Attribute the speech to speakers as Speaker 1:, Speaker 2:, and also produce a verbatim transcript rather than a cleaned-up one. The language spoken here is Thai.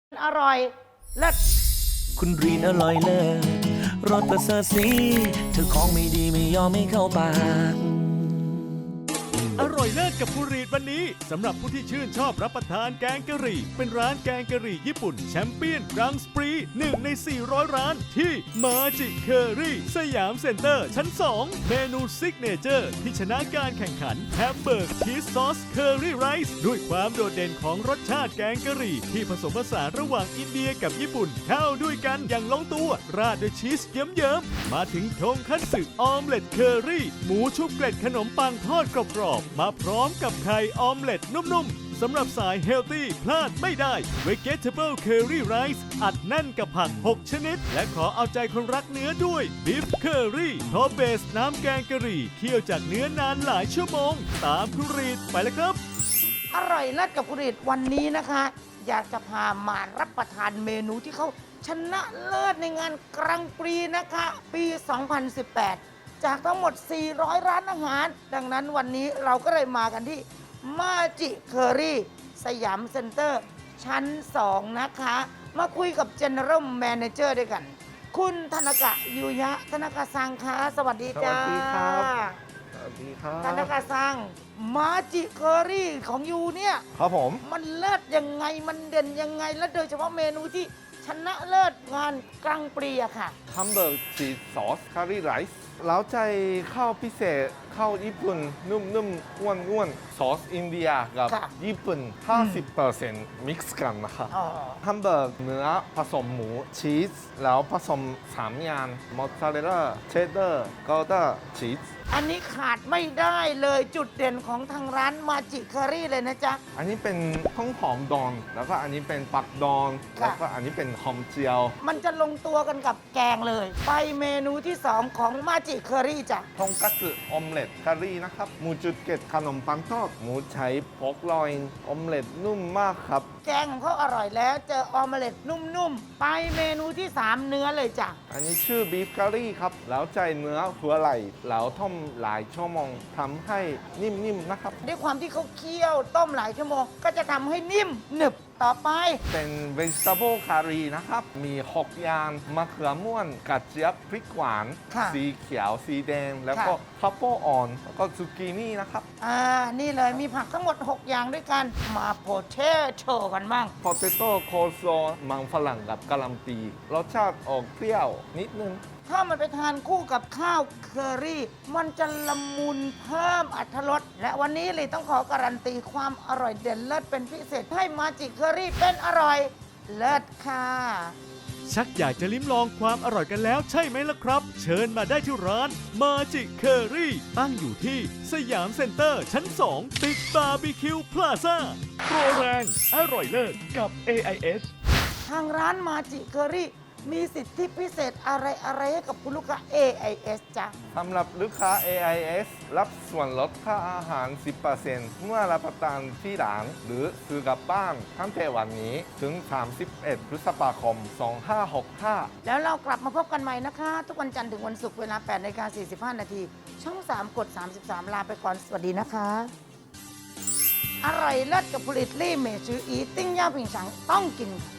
Speaker 1: อร่อยเลิศ
Speaker 2: คุณรีนอร่อยเลิศรสประเสริฐสีเธอของไม่ดีไม่ยอมไม่เข้าปาก
Speaker 3: อร่อยเลิศกับคุณรีดวันนี้สำหรับผู้ที่ชื่นชอบรับประทานแกงกะหรี่เป็นร้านแกงกะหรี่ญี่ปุ่นแชมเปี้ยนกรังสปรีหนึ่งในสี่ร้อยร้านที่มาจิเคอรี่สยามเซ็นเตอร์ชั้นสองเมนูซิกเนเจอร์ที่ชนะการแข่งขันแฮมเบอร์กชีสซอสเคอรี่ไรซ์ด้วยความโดดเด่นของรสชาติแกงกะหรี่ที่ผสมผสานระหว่างอินเดียกับญี่ปุ่นเข้าด้วยกันอย่างลงตัวราดด้วยชีสเยิ้มๆมาถึงทงคัตสึออมเล็ตเคอรี่หมูชุบเกล็ดขนมปังทอดกรอบๆมาพร้อมกับไข่ออมเล็ตนุ่มๆสำหรับสายเฮลตี้พลาดไม่ได้ Vegetable Curry Rice อัดแน่นกับผัก หก ชนิด และขอเอาใจคนรักเนื้อด้วย Beef Curry เพราะเบสน้ำแกงกะหรี่เคี่ยวจากเนื้อนานหลายชั่วโมง ตามคุณรีดไปเลยครับ
Speaker 1: อร่อยเลิศกับกุริตวันนี้นะคะ อยากจะพามารับประทานเมนูที่เขาชนะเลิศในงานกรังปรีนะคะ ปี สองพันสิบแปด จากทั้งหมด สี่ร้อย ร้านอาหาร ดังนั้นวันนี้เราก็เลยมากันที่มาจิเคอรี่สยามเซ็นเตอร์ชั้น สอง นะคะ มาคุยกับ General Manager ด้วยกัน คุณธนกะยูยะธนกะซังคะสวัสดีจ้า
Speaker 4: สวัสดีครับ สวัสดีครับ
Speaker 1: ธนกะซังมาจิเคอรี่ของยูเนี่ย
Speaker 4: ครับผม
Speaker 1: มันเลิศยังไง มันเด่นยังไง และโดยเฉพาะเมนูที่ชนะเลิศงานกลางปรีอะค่ะ
Speaker 4: ฮัมเบอร์กชีสซอสคารีไรซ์แล้วใจข้าวพิเศษข้าวญี่ปุ่น นุ่มๆอ้วนๆซอสอินเดียกับ
Speaker 1: ค่ะ
Speaker 4: ญี่ปุ่น ห้าสิบเปอร์เซ็นต์ มิกซ์กันนะครับ
Speaker 1: อ๋อ
Speaker 4: ฮัมเบอร์กเนื้อผสมหมูชีสแล้วผสมสามอย่างมอสซาเรลล่าเชดเดอร์กอเดอร์ชีส
Speaker 1: อันนี้ขาดไม่ได้เลยจุดเด่นของทางร้านมาจิเคอรี่เลยนะจ๊ะ
Speaker 4: อันนี้เป็นข้าวหอมดองแล้วก็อันนี้เป็นปักดอง
Speaker 1: ค่ะ
Speaker 4: แล้วก็อันนี้เป็นหอมเจียว
Speaker 1: มันจะลงตัวกันกับแกงเลย ไปเมนูที่สองของมาจิเคอรี่จ้ะ
Speaker 4: ทงคัตสึออมเล็ตคารีนะครับหมูจุดเกล็ดขนมปังทอดหมูใช้พอกลอยออมเล็ตนุ่มมากครับ
Speaker 1: แกงของเขาอร่อยแล้วเจอออมเล็ตนุ่มๆ ไปเมนูที่สามเนื้อเลยจ้ะ
Speaker 4: อันนี้ชื่อบีฟคารีครับ แล้วใจเนื้อหัวไหล่แล้วต้มหลายชั่วโมงทำให้นิ่มๆนะครับ
Speaker 1: ด้วยความที่เขาเคี่ยวต้มหลายชั่วโมง ก็จะทำให้นิ่มหนึบต่อไป
Speaker 4: เป็น vegetable curry นะครับ มีหกอย่างมะเขือม่วนกระเจี๊ยบพริกหวาน
Speaker 1: ค่ะ
Speaker 4: สีเขียวสีแดง แล้วก็
Speaker 1: ค่ะ
Speaker 4: พับเปิลอ่อน แล้วก็ซูกินี่นะครับ
Speaker 1: อ่า นี่เลยมีผักทั้งหมด หก อย่างด้วยกัน มาโพเทโต้กันบ้าง
Speaker 4: potato coleslaw มังฝรั่งกับกะหล่ำปีรสชาติออกเปรี้ยวนิดนึง
Speaker 1: ถ้ามันไปทานคู่กับข้าวเคอรี่ มันจะละมุนเพิ่มอรรถรส และวันนี้เลยต้องขอการันตีความอร่อยเด่นเลิศเป็นพิเศษ ให้มาจิเคอรี่เป็นอร่อยเลิศค่ะ
Speaker 3: ชักอยากจะลิ้มลองความอร่อยกันแล้วใช่ไหมล่ะครับ เชิญมาได้ที่ร้านมาจิเคอรี่ตั้งอยู่ที่สยามเซ็นเตอร์ชั้น สอง ติดบาร์บีคิวพลาซ่าโปรแรงอร่อยเลิศกับ เอ ไอ เอส
Speaker 1: ทางร้านมาจิเคอรี่มีสิทธิพิเศษอะไรอะไรให้กับคุณลูกค้า เอ ไอ เอส จ้ะ
Speaker 4: สำหรับลูกค้า เอ ไอ เอส รับส่วนลดค่าอาหาร สิบเปอร์เซ็นต์ เมื่อรับประทานที่ร้านหรือซื้อกลับบ้านตั้งแต่วันนี้ถึง สามสิบเอ็ด พฤษภาคม สองพันห้าร้อยหกสิบห้า
Speaker 1: แล้วเรากลับมาพบกันใหม่นะคะ ทุกวันจันทร์ถึงวันศุกร์เวลา แปดนาฬิกาสี่สิบห้า นาที ช่อง สาม กด สามสิบสาม ลาไปก่อน สวัสดีนะคะ อร่อยเลิศกับผลิตลี่เมชืออีติ้งย่าผิงฉังต้องกินค่ะ